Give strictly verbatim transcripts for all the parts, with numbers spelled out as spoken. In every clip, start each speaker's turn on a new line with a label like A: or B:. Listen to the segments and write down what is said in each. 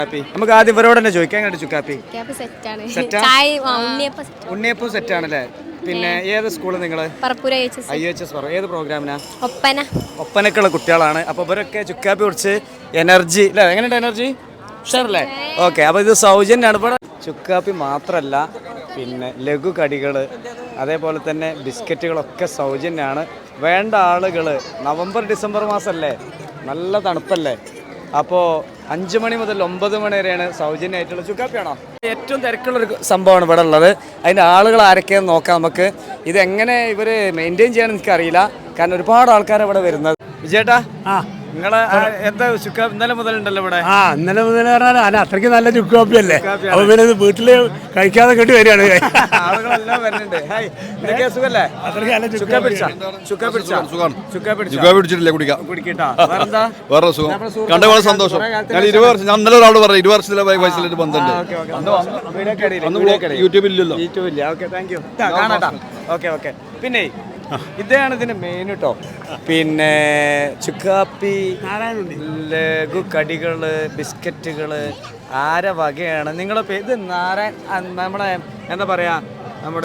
A: നമുക്ക് ആദ്യം ഇവരോട് തന്നെ ചോദിക്കാം. എങ്ങനെ ചുക്കാപ്പി? ഉണ്ണിയപ്പം സെറ്റ് ആണല്ലേ? പിന്നെ ഏത് സ്കൂള് നിങ്ങള്? I H S. ഏത് പ്രോഗ്രാമിനാ? ഒപ്പന. ഒപ്പനക്കുള്ള കുട്ടികളാണ്. അപ്പൊ ഇവരൊക്കെ ചുക്കാപ്പി കുടിച്ച് എനർജി അല്ലേ? എങ്ങനെയുണ്ട് എനർജി? ഉഷാറല്ലേ? ഓക്കെ. അപ്പൊ ഇത് സൗജന്യമാണ്. ഇവിടെ ചുക്കാപ്പി മാത്രല്ല, പിന്നെ ലഘു കടികൾ, അതേപോലെ തന്നെ ബിസ്ക്കറ്റുകളൊക്കെ സൗജന്യമാണ്. വേണ്ട ആളുകൾ, നവംബർ ഡിസംബർ മാസമല്ലേ, നല്ല തണുപ്പല്ലേ, അപ്പോൾ അഞ്ച് മണി മുതൽ ഒമ്പത് മണി വരെയാണ് സൗജന്യമായിട്ടുള്ള ചുക്കാപ്പിയാണോ? ഏറ്റവും തിരക്കുള്ളൊരു സംഭവമാണ് ഇവിടെ ഉള്ളത്. അതിൻ്റെ ആളുകൾ ആരൊക്കെയാണെന്ന് നോക്കാം നമുക്ക്. ഇതെങ്ങനെ ഇവർ മെയിൻറ്റെയിൻ ചെയ്യാൻ എനിക്കറിയില്ല, കാരണം ഒരുപാട് ആൾക്കാരാണ് ഇവിടെ വരുന്നത്. വിജയേട്ടാ, ആ നിങ്ങളെ എന്താ ചുക്കാപ്പി ഇന്നലെ മുതലുണ്ടല്ലോ ഇവിടെ? ആ ഇന്നലെ മുതൽ പറഞ്ഞാൽ അത്രയ്ക്ക് നല്ല ചുക്കാപ്പി അല്ലേ, അപ്പൊ പിന്നെ വീട്ടില് കഴിക്കാതെ കേട്ട് വരികയാണ്. ആളുകളെല്ലാം വരുന്നുണ്ട്.
B: സന്തോഷം. ഞാൻ ഇരുപത് വർഷം ഞാൻ ഇന്നലെ ഒരാളോട് പറഞ്ഞു ഇരുപത് വർഷത്തിലെ വയസ്സിലൊരു ബന്ധമുണ്ട്. യൂട്യൂബില്ലല്ലോ.
A: യൂട്യൂബില്ല. Okay, thank you. കാണാട്ടാ. Okay okay. പിന്നെ ഇതാണ് ഇതിന്റെ മെയിൻ കേട്ടോ. പിന്നെ ചുക്കാപ്പി, ലഘു കടികള്, ബിസ്ക്കറ്റുകള്, ആര വകയാണ് നിങ്ങളെ ഇത്? നാരായൺ നമ്മളെ എന്താ പറയാ, നമ്മുടെ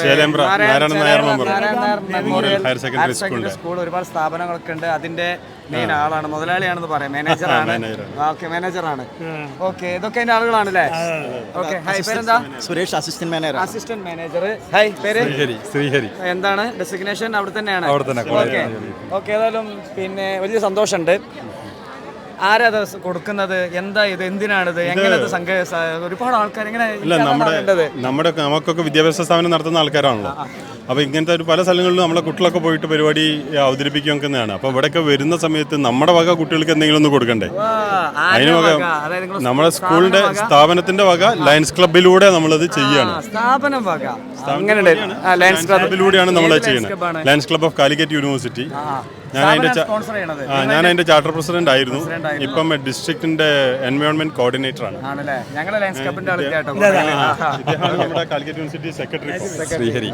A: ഹയർ സെക്കൻഡറി സ്കൂൾ, ഒരുപാട് സ്ഥാപനങ്ങളൊക്കെ ഉണ്ട്. അതിന്റെ മെയിൻ ആളാണ്, മുതലാളിയാണെന്ന് പറയാം, മാനേജറാണ്. ഓക്കെ, മാനേജറാണ്. ഓക്കെ, ഇതൊക്കെ അതിന്റെ ആളുകളാണല്ലേ? ഓക്കെ. ഹായ്, പേരെന്താ?
C: Suresh, assistant manager.
A: Assistant manager. Hi, പേര്? ശ്രീഹരി. എന്താണ് ഡെസിഗ്നേഷൻ? അവിടെ തന്നെയാണ്. Okay okay. ഏതായാലും പിന്നെ വലിയ സന്തോഷമുണ്ട്. ആരാ കൊടുക്കുന്നത്? എന്താ ഇത്? എന്തിനാണിത്? എങ്ങനെ ഒരുപാട് ആൾക്കാർ എങ്ങനെ?
D: നമ്മുടെ നമുക്കൊക്കെ വിദ്യാഭ്യാസ സ്ഥാപനം നടത്തുന്ന ആൾക്കാരാണല്ലോ. അപ്പോൾ ഇങ്ങനത്തെ ഒരു പല സ്ഥലങ്ങളിലും നമ്മളെ കുട്ടികളൊക്കെ പോയിട്ട് പരിപാടി അവതരിപ്പിക്കുന്നതാണ്. അപ്പോൾ ഇവിടെയൊക്കെ വരുന്ന സമയത്ത് നമ്മുടെ വക കുട്ടികൾക്ക് എന്തെങ്കിലും ഒന്ന് കൊടുക്കണ്ടേ? അതിന് വക നമ്മുടെ സ്കൂളിന്റെ സ്ഥാപനത്തിന്റെ വക ലയൺസ് ക്ലബിലൂടെ നമ്മളത് ചെയ്യാണ്. ലയൺസ് ക്ലബിലൂടെയാണ് നമ്മളത് ചെയ്യുന്നത്. Lions club of Calicut university. ഞാൻ അതിന്റെ ഞാൻ അതിന്റെ ചാർട്ടർ പ്രസിഡന്റ് ആയിരുന്നു. ഇപ്പം ഡിസ്ട്രിക്റ്റിന്റെ എൻവയോൺമെന്റ് കോർഡിനേറ്റർ ആണ്. നമ്മുടെ കാലിക്കറ്റ് യൂണിവേഴ്സിറ്റി സെക്രട്ടറി ശ്രീഹരി.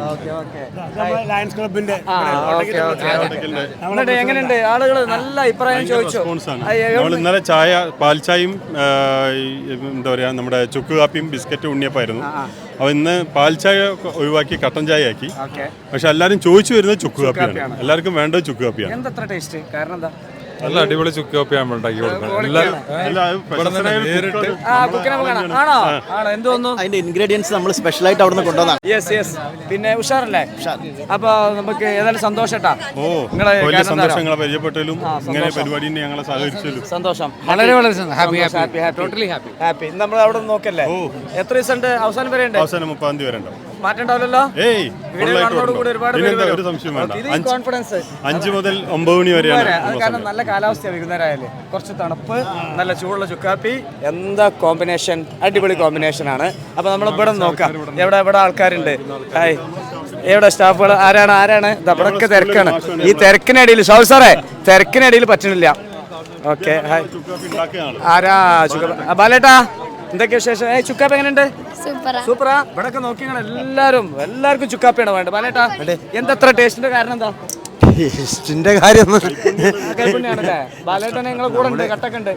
A: എങ്ങനെയുണ്ട്? ആളുകൾ നല്ല അഭിപ്രായം ചോദിച്ചു.
D: നമ്മൾ ഇന്നലെ ചായ, പാൽച്ചായയും എന്താ പറയാ, നമ്മുടെ ചുക്ക് കാപ്പിയും ബിസ്ക്കറ്റും ഉണ്ണിയപ്പായിരുന്നു. അപ്പൊ ഇന്ന് പാൽച്ചായ ഒഴിവാക്കി കട്ടൻ ചായ ആക്കി. പക്ഷെ എല്ലാരും ചോദിച്ചു വരുന്നത് ചുക്ക് കാപ്പിയാണ്. എല്ലാവർക്കും വേണ്ടത് ചുക്ക് കാപ്പിയാണ്.
A: എന്തത്ര ടേസ്റ്റ്? കാരണം എന്താ?
E: നല്ല അടിപൊളി ചുക്ക് കാപ്പി നമ്മൾ ഉണ്ടാക്കി കൊടുക്കണം.
C: അതിന്റെ ഇൻഗ്രീഡിയൻസ് നമ്മൾ സ്പെഷ്യലായിട്ട് അവിടെ നിന്ന് കൊണ്ടുവന്നാണ്.
A: Yes yes. പിന്നെ ഉഷാറല്ലേ? അപ്പൊ നമുക്ക് ഏതായാലും സന്തോഷട്ടാ.
D: ഓ, വലിയ സന്തോഷം നിങ്ങളെ പരിചയപ്പെട്ടതിലും ഇങ്ങനെ പരിപാടി ഞങ്ങളെ സഹകരിച്ചതിലും
A: സന്തോഷം.
E: വളരെ വളരെ happy happy totally happy
A: happy. നമ്മൾ അവിടെ നോക്കല്ലേ? എത്ര ദിവസം ഉണ്ട്? അവസാനം വരെ ഉണ്ട്.
D: അവസാനം മുപ്പതാം തീയതി വരെ ഉണ്ടാവും.
A: മാറ്റണ്ടാവില്ലല്ലോ.
D: ഒരു സംശയം വേണ്ട.
A: കോൺഫിഡൻസ്
D: അഞ്ചു മുതൽ ഒമ്പത് മണി വരെയാണ്.
A: കാരണം നല്ല കാലാവസ്ഥ, വൈകുന്നേരമായാലേ കുറച്ച് തണുപ്പ്, നല്ല ചൂടുള്ള ചുക്കാപ്പി, എന്താ കോമ്പിനേഷൻ! അടിപൊളി കോമ്പിനേഷൻ ആണ്. അപ്പൊ നമ്മൾ ഇവിടെ നോക്കാം. എവിടെ എവിടെ ആൾക്കാരുണ്ട്? ഹായ്, എവിടെ സ്റ്റാഫുകൾ? ആരാണ് ആരാണ്? ഇവിടൊക്കെ തിരക്കാണ്. ഈ തിരക്കിനിടയിൽ ഷൗ സാറേ, തിരക്കിനിടയിൽ പറ്റണില്ല. Okay, hi. ആരാ ചുക്കാപ്പി? ബാലേട്ടാ, എന്തൊക്കെ വിശേഷം? ഏ ചുക്കാപ്പി എങ്ങനെയുണ്ട്? സൂപ്പറാ. ഇവിടെ നോക്കി എല്ലാരും എല്ലാവർക്കും ചുക്കാപ്പിയാണ് വേണ്ടത്. ബാലേട്ടാ, എന്തത്ര ടേസ്റ്റിന്റെ കാരണം എന്താ?
C: ടേസ്റ്റിന്റെ കാര്യം
A: കൈപ്പുണ്യാണല്ലേ? ബാലേട്ടനെ നിങ്ങളെ കൂടെ ഉണ്ട്, കട്ടൊക്കെ ഉണ്ട്.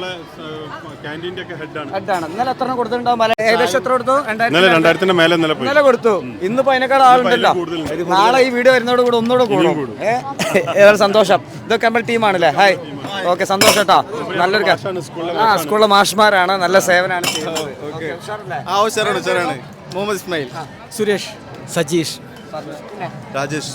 A: ഹെഡാണ്. ഇന്നലെ എത്ര കൊടുത്തിട്ടുണ്ടാവും? ഏകദേശം എത്ര കൊടുത്തു? ഇന്നലെ കൊടുത്തു. ഇന്നിപ്പോ അതിനേക്കാൾ ആളുണ്ടല്ലോ. നാളെ ഈ വീഡിയോ വരുന്നതോട് കൂടെ ഒന്നുകൂടെ കൂടും. ഏതായാലും സന്തോഷം. ഇതൊക്കെ നമ്മൾ ടീമാണല്ലേ? ഹായ്. ഓക്കെ, സന്തോഷം കേട്ടോ. നല്ലൊരു ആ സ്കൂളിലെ മാഷ്മാരാണ്, നല്ല സേവനമാണ് ചെയ്യുന്നത്.
B: മുഹമ്മദ് ഇസ്മായിൽ,
C: സുരേഷ്, സജീഷ്,
B: രാജേഷ്.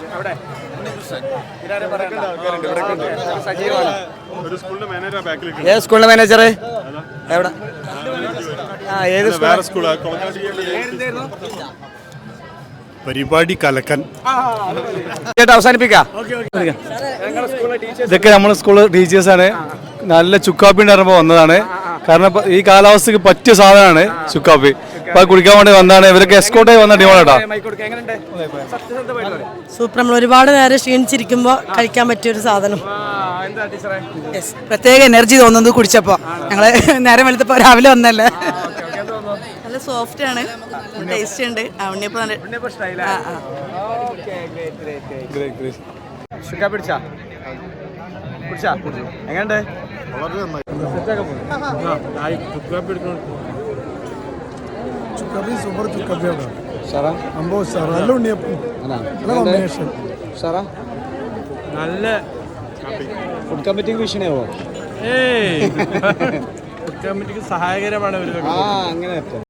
A: ഏത് സ്കൂളിലെ മാനേജർ? എവിടെ? ഏത് സ്കൂൾ?
D: പരിപാടി കലക്കൻ.
A: അവസാനിപ്പിക്കാം.
F: ഇതൊക്കെ നമ്മുടെ സ്കൂള് ടീച്ചേഴ്സാണ്. നല്ല ചുക്കാപ്പി ഉണ്ടായിരുന്നപ്പോൾ വന്നതാണ്. കാരണം ഈ കാലാവസ്ഥക്ക് പറ്റിയ സാധനമാണ് ചുക്കാപ്പി. ഇപ്പൊ കുടിക്കാൻ വേണ്ടി വന്നതാണ്. ഇവരൊക്കെ എസ്കോർട്ടായി വന്ന ടീമാണേട്ടാ.
G: സൂപ്പർ. നമ്മൾ ഒരുപാട് നേരം ക്ഷീണിച്ചിരിക്കുമ്പോ കഴിക്കാൻ പറ്റിയൊരു സാധനം. പ്രത്യേക എനർജി തോന്നുന്നത് കുടിച്ചപ്പോ. ഞങ്ങള് നേരം വെളുത്തപ്പോ രാവിലെ വന്നല്ലേ. നല്ല സോഫ്റ്റ് ആണ്, ടേസ്റ്റ് ഉണ്ട്. ഉണ്ണിയപ്പം
A: എങ്ങനെയുണ്ട്?
B: വളരെ നന്നായി.
F: ചുക്കാപ്പി സൂപ്പർ ചുക്കാപ്പിയാണ് സംഭവം സാർ നല്ല ഉണ്ണിയപ്പം നല്ല കോമ്പിനേഷൻ
A: സാറാ
F: നല്ല
A: ഫുഡ് കമ്മിറ്റിക്ക് ഭീഷണിയാവോ?
F: ഏയ് ഫുഡ് കമ്മിറ്റിക്ക് സഹായകരമാണ് ഒരു
A: ആ അങ്ങനെ